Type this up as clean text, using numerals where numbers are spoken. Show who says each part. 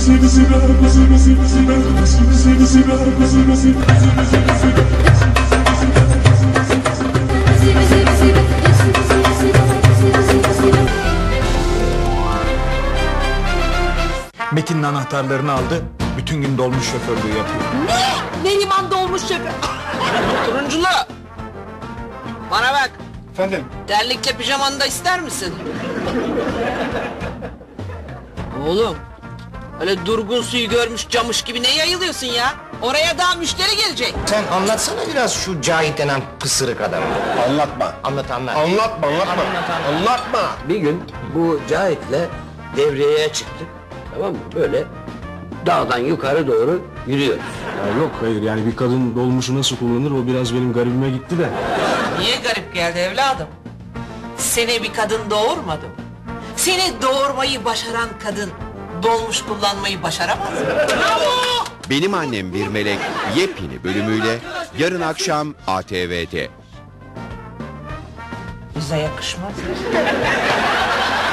Speaker 1: Metin'in anahtarlarını aldı, bütün gün dolmuş şoförlüğü yapıyor.
Speaker 2: Ne? Neriman dolmuş şoför.
Speaker 3: Turunculu! Bana bak,
Speaker 1: Efendim?
Speaker 3: terlikle pijamanı da ister misin? Oğlum, öyle durgun suyu görmüş camış gibi ne yayılıyorsun ya? Oraya daha müşteri gelecek.
Speaker 4: Sen anlatsana biraz şu Cahit denen pısırık adamı.
Speaker 5: Anlatma.
Speaker 4: Anlat.
Speaker 5: Anlatma.
Speaker 6: Bir gün bu Cahit'le devreye çıktık. Tamam mı? Böyle dağdan yukarı doğru yürüyoruz.
Speaker 7: Ya yok hayır yani bir kadın dolmuşu nasıl kullanır o biraz benim garibime gitti de.
Speaker 3: Niye garip geldi evladım? Seni bir kadın doğurmadı mı? Seni doğurmayı başaran kadın dolmuş kullanmayı başaramaz mı? Bravo!
Speaker 8: Benim Annem Bir Melek yepyeni bölümüyle yarın akşam ATV'de.
Speaker 3: Bize yakışmaz.